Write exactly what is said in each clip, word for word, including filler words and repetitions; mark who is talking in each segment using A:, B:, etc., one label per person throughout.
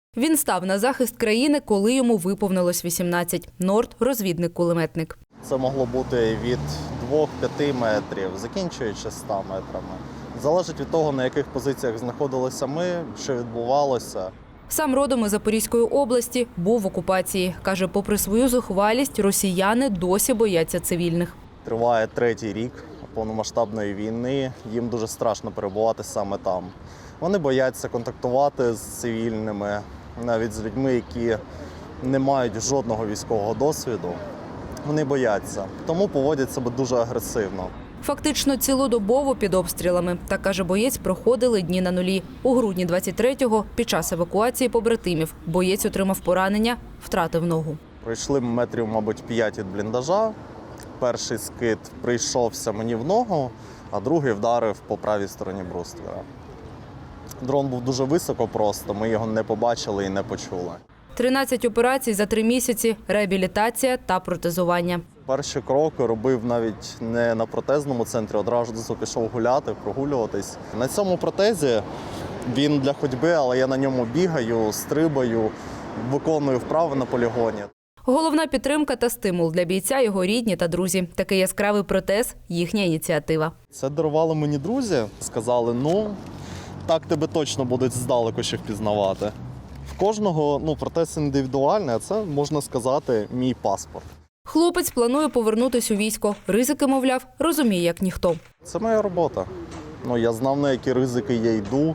A: Він став на захист країни, коли йому виповнилось вісімнадцять. Норд – розвідник-кулеметник.
B: Це могло бути від двох-п'яти метрів, закінчуючи ста метрами. Залежить від того, на яких позиціях знаходилися ми, що відбувалося.
A: Сам родом із Запорізької області, був в окупації. Каже, попри свою зухвалість, росіяни досі бояться цивільних.
B: Триває третій рік повномасштабної війни, їм дуже страшно перебувати саме там. Вони бояться контактувати з цивільними, навіть з людьми, які не мають жодного військового досвіду. Вони бояться, тому поводять себе дуже агресивно.
A: Фактично цілодобово під обстрілами. Так, каже боєць, проходили дні на нулі. У грудні двадцять третього, під час евакуації побратимів, боєць отримав поранення, втратив ногу.
B: Пройшли метрів, мабуть, п'ять від бліндажа. Перший скид прийшовся мені в ногу, а другий вдарив по правій стороні бруствера. Дрон був дуже високо просто, ми його не побачили і не почули.
A: тринадцять операцій за три місяці, реабілітація та протезування.
B: Перші кроки робив навіть не на протезному центрі, одразу пішов гуляти, прогулюватись. На цьому протезі він для ходьби, але я на ньому бігаю, стрибаю, виконую вправи на полігоні.
A: Головна підтримка та стимул для бійця – його рідні та друзі. Такий яскравий протез – їхня ініціатива.
B: Це дарували мені друзі. Сказали, ну, так тебе точно будуть здалеку ще впізнавати. В кожного ну, протез індивідуальний, а це, можна сказати, мій паспорт.
A: Хлопець планує повернутися у військо. Ризики, мовляв, розуміє, як ніхто.
B: Це моя робота. Ну, я знав, на які ризики я йду.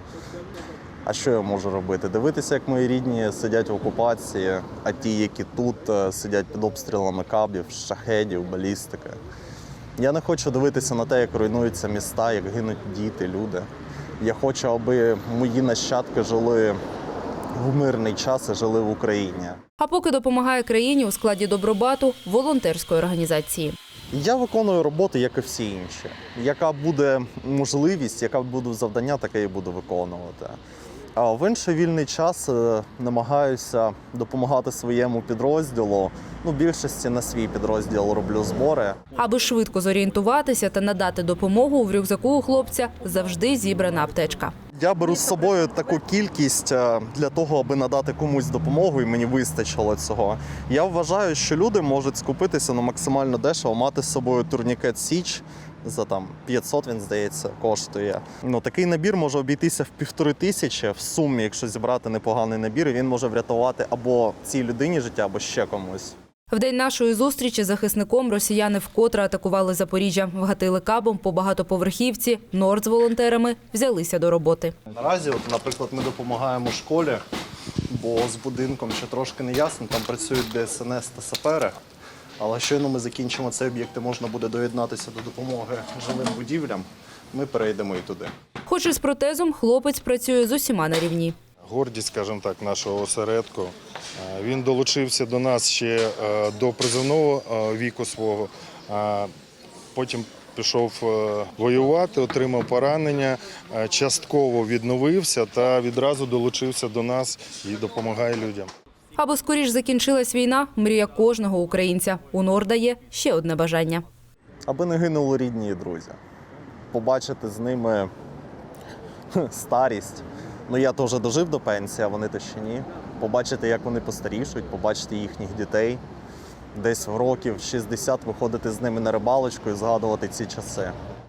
B: А що я можу робити? Дивитися, як мої рідні сидять в окупації, а ті, які тут, сидять під обстрілами кабів, шахедів, балістики. Я не хочу дивитися на те, як руйнуються міста, як гинуть діти, люди. Я хочу, аби мої нащадки жили в мирний час і жили в Україні.
A: А поки допомагає країні у складі Добробату – волонтерської організації.
B: Я виконую роботу, як і всі інші. Яка буде можливість, яка буде завдання, таке і буду виконувати. А в інший вільний час намагаюся допомагати своєму підрозділу. Ну, в більшості на свій підрозділ роблю збори.
A: Аби швидко зорієнтуватися та надати допомогу, в рюкзаку у хлопця завжди зібрана аптечка.
B: Я беру з собою таку кількість для того, аби надати комусь допомогу, і мені вистачило цього. Я вважаю, що люди можуть скупитися на максимально дешево, мати з собою турнікет «Січ». За там п'ятсот, він, здається, коштує. Ну, такий набір може обійтися в півтори тисячі в сумі, якщо зібрати непоганий набір, і він може врятувати або цій людині життя, або ще комусь.
A: В день нашої зустрічі з захисником росіяни вкотре атакували Запоріжжя. Вгатили кабом по багатоповерхівці. Норд з волонтерами взялися до роботи.
B: Наразі, от, наприклад, ми допомагаємо школі, бо з будинком ще трошки не ясно, там працюють Де Ес Ен Ес та сапери. Але щойно ми закінчимо цей об'єкт і можна буде доєднатися до допомоги жилим будівлям, ми перейдемо і туди.
A: Хоч і з протезом, хлопець працює з усіма на рівні.
C: Гордість, скажімо так, нашого осередку. Він долучився до нас ще до призовного віку свого, потім пішов воювати, отримав поранення, частково відновився та відразу долучився до нас і допомагає людям.
A: Аби скоріш закінчилась війна – мрія кожного українця. У Норда є ще одне бажання.
B: Аби не гинули рідні і друзі. Побачити з ними старість. Ну, я теж дожив до пенсії, а вони то ще ні. Побачити, як вони постарішують, побачити їхніх дітей. Десь в років шістдесят виходити з ними на рибалочку і згадувати ці часи.